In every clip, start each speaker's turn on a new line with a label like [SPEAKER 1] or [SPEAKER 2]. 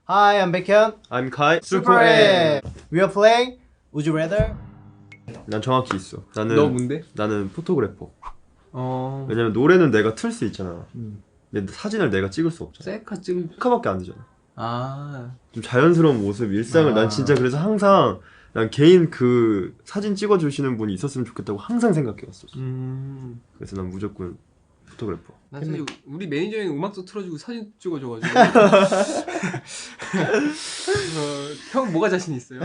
[SPEAKER 1] Hi, I'm Baekhyun.
[SPEAKER 2] I'm Kai.
[SPEAKER 1] Super A. We are playing Would You Rather?
[SPEAKER 2] 난 정확히 있어. 나는
[SPEAKER 3] 너 뭔데?
[SPEAKER 2] 나는 포토그래퍼. 왜냐면 노래는 내가 틀 수 있잖아. 근데 사진을 내가 찍을 수 없잖아.
[SPEAKER 3] 셀카 찍을.
[SPEAKER 2] 셀카밖에 안 되잖아.
[SPEAKER 3] 아.
[SPEAKER 2] 좀 자연스러운 모습, 일상을 난 진짜 그래서 항상 난 개인 그 사진 찍어주시는 분이 있었으면 좋겠다고 항상 생각해왔었어. 그래서 난 무조건 포토그래퍼.
[SPEAKER 3] 난 사실 우리 매니저는 음악도 틀어주고 사진 찍어줘가지고. 형 뭐가 자신 있어요?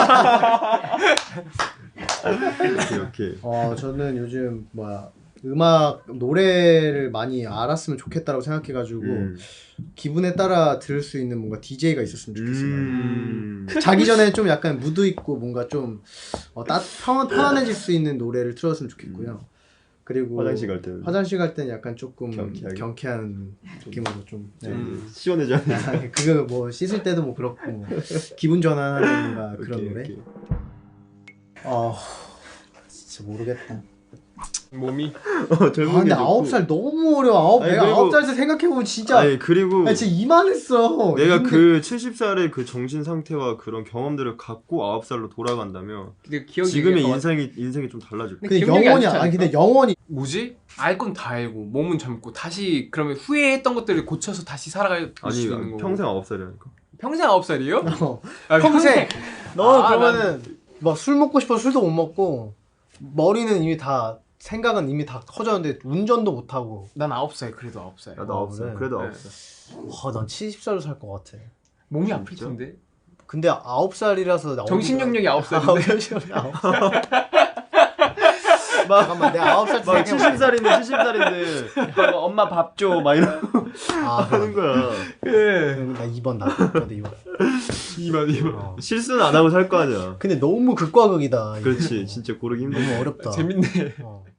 [SPEAKER 2] 오케이.
[SPEAKER 1] 저는 요즘 음악 노래를 많이 알았으면 좋겠다라고 생각해가지고 기분에 따라 들을 수 있는 뭔가 DJ가 있었으면 좋겠어요. 자기 전에 좀 약간 무드 있고 뭔가 좀 편안해질 수 있는 노래를 틀었으면 좋겠고요. 그리고
[SPEAKER 2] 화장실 갈 때는
[SPEAKER 1] 약간 조금 경쾌한 느낌으로 좀
[SPEAKER 2] 시원해져.
[SPEAKER 1] 그거 뭐 씻을 때도 뭐 그렇고 기분 전환하는 뭔가 그런 노래. 진짜 모르겠다.
[SPEAKER 3] 몸이.
[SPEAKER 2] 젊은
[SPEAKER 1] 근데
[SPEAKER 2] 게 좋고.
[SPEAKER 1] 9살 너무 어려워. 내가
[SPEAKER 2] 그리고-
[SPEAKER 1] 9살 때 생각해보면 진짜
[SPEAKER 2] 그리고
[SPEAKER 1] 진짜 이만했어.
[SPEAKER 2] 내가 그 70살의 그 정신 상태와 그런 경험들을 갖고 9살로 돌아간다면
[SPEAKER 3] 근데 기억이
[SPEAKER 2] 지금의
[SPEAKER 3] 약간
[SPEAKER 2] 인생이 좀 달라질 거야.
[SPEAKER 1] 근데
[SPEAKER 3] 기억력이 안
[SPEAKER 1] 영원히
[SPEAKER 3] 좋지
[SPEAKER 1] 아니
[SPEAKER 3] 않을까?
[SPEAKER 1] 근데 영원히
[SPEAKER 3] 뭐지? 알 건 다 알고 몸은 젊고 다시 그러면 후회했던 것들을 고쳐서 다시 살아갈 수
[SPEAKER 2] 아니
[SPEAKER 3] 있는 거고.
[SPEAKER 2] 평생 9살이라니까.
[SPEAKER 3] 평생 9살이요?
[SPEAKER 1] 평생 너
[SPEAKER 3] 아,
[SPEAKER 1] 그러면은 막 술 먹고 싶어 술도 못 먹고 머리는 이미 다 생각은 이미 다 커졌는데 운전도 못 하고.
[SPEAKER 3] 난 9살 그래도 9살.
[SPEAKER 2] 나도 9살.
[SPEAKER 1] 그래?
[SPEAKER 2] 그래도
[SPEAKER 3] 네.
[SPEAKER 2] 9살.
[SPEAKER 1] 난 70살로 살 것 같아.
[SPEAKER 3] 몸이 아플 텐데.
[SPEAKER 1] 근데 9살이라서
[SPEAKER 3] 정신력력이 9살인데.
[SPEAKER 1] 잠깐만 내가 9살 때
[SPEAKER 2] 막
[SPEAKER 1] 생각해볼게.
[SPEAKER 2] 70살인데 엄마 밥 줘 막 이러고 하는 거야.
[SPEAKER 1] 나 2번 나도 2번.
[SPEAKER 3] 2만.
[SPEAKER 2] 실수는 안 하고 살 거 아니야.
[SPEAKER 1] 근데 너무 극과 극이다. 이거.
[SPEAKER 2] 그렇지. 진짜 고르기 힘들어.
[SPEAKER 1] 너무 어렵다.
[SPEAKER 3] 재밌네.
[SPEAKER 1] 어.